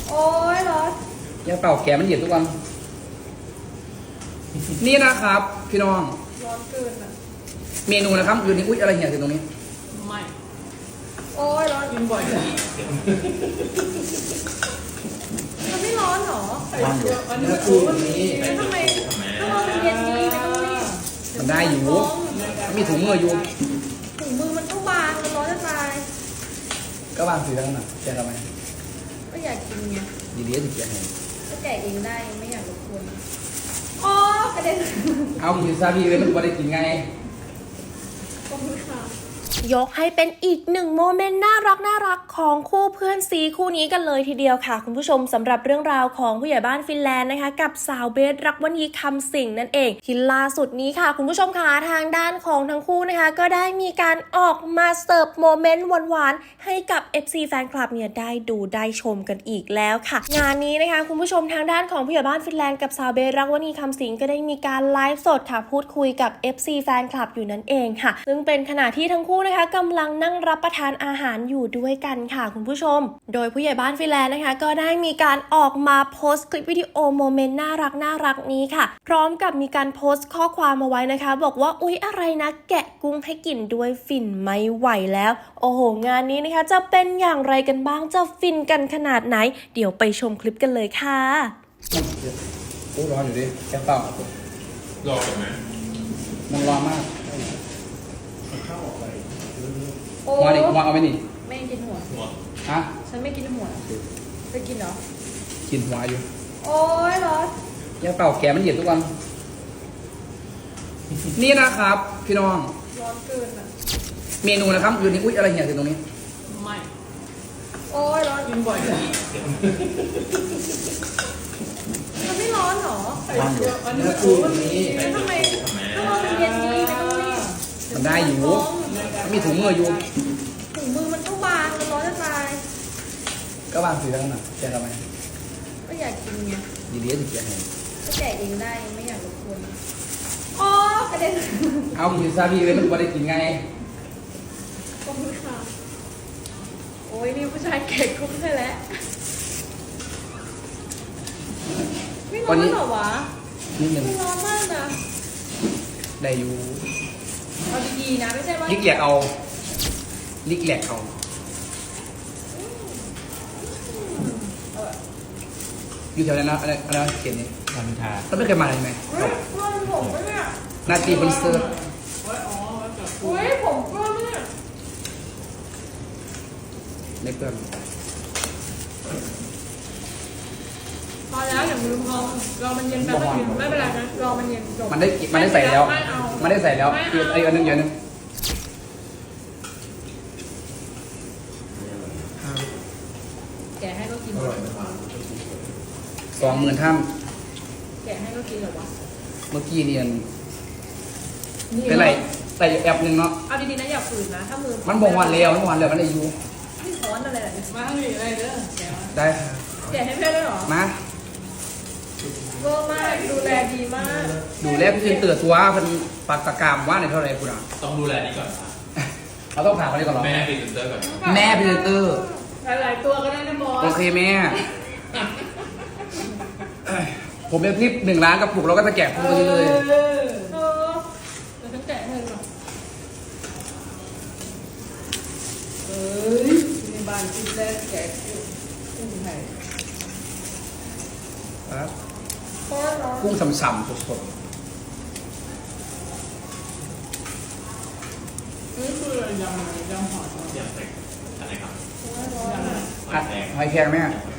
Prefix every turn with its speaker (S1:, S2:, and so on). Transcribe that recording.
S1: โอ้ยร้อน
S2: อย่าเป่าแกมันเหยียดทุกวัน นี่นะครับพี่น้อง
S1: ร้อนเกินอ่ะ
S2: เมนูนะครับคืนนี้อุ๊ยอะไรเหี่ยถึงตรงนี้
S3: ไม่
S1: โอ้ยร้อน
S3: กินบ่อยนะ
S1: มันไม่ร้อนหรอ
S2: ร้อนอยู่
S3: อันนี้
S2: แล้ว
S3: กู
S2: คืนนี้
S1: แล้วทำไมถ้าเราเป็นเย็นนี้ไม่ต้องรีบ
S2: มันได้อยู่มีถุงมืออยู่
S1: ถุงมือมันก็บางมันร้อนจะตาย
S2: ก็วางสีแล้วน่ะแกทำไม
S1: ก็อยากกินไง
S2: ดีๆถึงแกให้
S1: ก็แกะเองได้ไม่อยากรบกวนอ๋อกระเด็น
S2: เอากินซาบีเลยมันไม่ได้กินไง
S1: ขอบคุณค่ะ
S4: ยกให้เป็นอีกหนึ่งโมเมนต์น่ารักของคู่เพื่อนซีคู่นี้กันเลยทีเดียวค่ะคุณผู้ชมสำหรับเรื่องราวของผู้ใหญ่บ้านฟินแลนด์นะคะกับสาวเบสรักวณีคำสิงห์นั่นเองที่ล่าสุดนี้ค่ะคุณผู้ชมค่ะทางด้านของทั้งคู่นะคะก็ได้มีการออกมาเสิร์ฟโมเมนต์หวานๆให้กับ FC แฟนคลับเนี่ยได้ดูได้ชมกันอีกแล้วค่ะงานนี้นะคะคุณผู้ชมทางด้านของผู้ใหญ่บ้านฟินแลนด์กับสาวเบสรักวณีคำสิงห์ก็ได้มีการไลฟ์สดค่ะพูดคุยกับ FC แฟนคลับอยู่นั่นเองค่ะซึ่งเป็นขณะที่ทั้งคู่นะคะกำลังนั่งรับประทานอาหารอยู่ด้วยกันค่ะคุณผู้ชมโดยผู้ใหญ่บ้านฟินแลนด์นะคะก็ได้มีการออกมาโพสต์คลิปวิดีโอโมเมนต์น่ารักนี้ค่ะพร้อมกับมีการโพสต์ข้อความมาไว้นะคะบอกว่าอุ๊ยอะไรนะแกะกุ้งให้กินด้วยฟินไม่ไหวแล้วโอ้โหงานนี้นะคะจะเป็นอย่างไรกันบ้างจะฟินกันขนาดไหนเดี๋ยวไปชมคลิปกันเลยค่ะ
S2: อู้ร้อนอยู่ดิแกเป่าร
S5: อก่อนไหม
S2: มันร้อนมาก
S1: โอ้
S2: หัวดิหัวเอาไปนี่
S1: ไม่กินหัว
S5: หัว
S2: ฮะ
S1: ฉันไม่กินหัวจะกินเหรอ
S2: กินหัวอยู่
S1: โอ้ยร้อน
S2: อย่าเป่าแกมันเหยียดทุกวัน นี่นะครับพี่น้อง
S1: ร้อนเกินอ่ะ
S2: เมนูนะครับคืนนี้อุ๊ยอะไรเหี่ยถึงตรงนี้
S3: ไม่
S1: โอ้ยร้อน
S3: กินบ่อยนะ
S1: มันไม่ร้อนหรอ
S2: ร้อนอยู่
S3: อันนี้
S2: แล้ว
S3: กู
S2: คืนนี้
S1: แล้วทำไมถ้าเราเป็นเย็นนี้ไม่ต้องรีบ
S2: มันได้อยู่มีถุงมืออยู่
S1: ถุงมือมันก็บางมันร้อนจะตาย
S2: ก็วางสีแล้วน่ะแกทำไม
S1: ก็อยากกินไง
S2: ดีๆถึงแกให้
S1: ก็แกะเองได้ไม่อยากรบกวนอ๋อกระเด็น
S2: เอากินซาบีเลยมันไม่ได้กินไง
S1: ขอบคุณค่ะโอ้ยนี่ผู้ชายแก่กุ้งใช่แล้วไม่ร้อนเหรอวะ
S2: นิดนึง
S1: ไม่ร้อนมากนะ
S2: ได้อยู่
S1: เอาดีๆนะไม่ใช่ว่า
S2: ลิกแหลกเอาลิกแหลกเอาอยู่แถวนั้นนะอะไรเขียนนี่
S5: ทำทา
S2: เราไม่เคยมาเลยไหม
S1: เฮ้ยเพื่อนผมปะเนี่ย
S2: นาตีบนเซิร์ฟ
S1: เฮ้ยผมเพื่อนเนี่ย
S2: ไม่เพื่อน
S1: พอแล้วอย่าลืมรอมันเย็นแป๊บนึงไม่เป็นไรนะรอมันเย็นจบ
S2: มันได้ใส่แล้ว
S1: ไม่เอา
S2: มันได้ใส่แล้วคือไอ้อันนึงอย่างนึง
S1: แกะให้ก็กิน
S2: 20,000ท่าน
S1: แกะให้ก็กินเหรอวะ
S2: เมื่อกี้เนี่ยเป็นไรใส่แอปหนึ่งเนาะ
S1: เอาดีๆนะอย่าฝืนนะถ้ามือ
S2: มันบอกวันเร็วมันบอกวันเร็วมันได้อยู่
S1: ไม่ร้อนอะไรเนี่ย
S3: มาหนีอะไรเด้อแกว
S2: ได้ค่ะ
S1: แกะให้เพื่อนด้วยเหรอ
S2: มา
S1: เวอร์มากดูแลดีมาก
S2: ดูแลพี่เตือนตัวเพิ่นปากตะกามว่าในเท่าไหรคุณอ่ะ
S5: ต้องดูแลนี่ก่อน
S2: เราต้องผ่านคนนี้ก่อนเหรอ
S5: แม่พรีเซนเตอร์ก่อน
S2: แม่พรีเซนเตอร์
S1: หลายๆตัวก็ได้นะบอส
S2: โอเคแม่ผมเป็นคลิป1 ล้านกระปุกเราก็จะแกะพวกนี้เลย
S1: เออเดี๋ยวฉันแกะให้หน่อยเอ้ยในบ้านกินแรกแกะกุ้งไทย
S2: ครับ
S1: โคตรร้อน
S2: กุ้งสำๆสด
S3: นี่คือยำหอย
S5: เสียงเสร็จอะไรครับ
S1: โคตรร้อน
S2: ๆผัดหอยแครงแม่
S5: หอย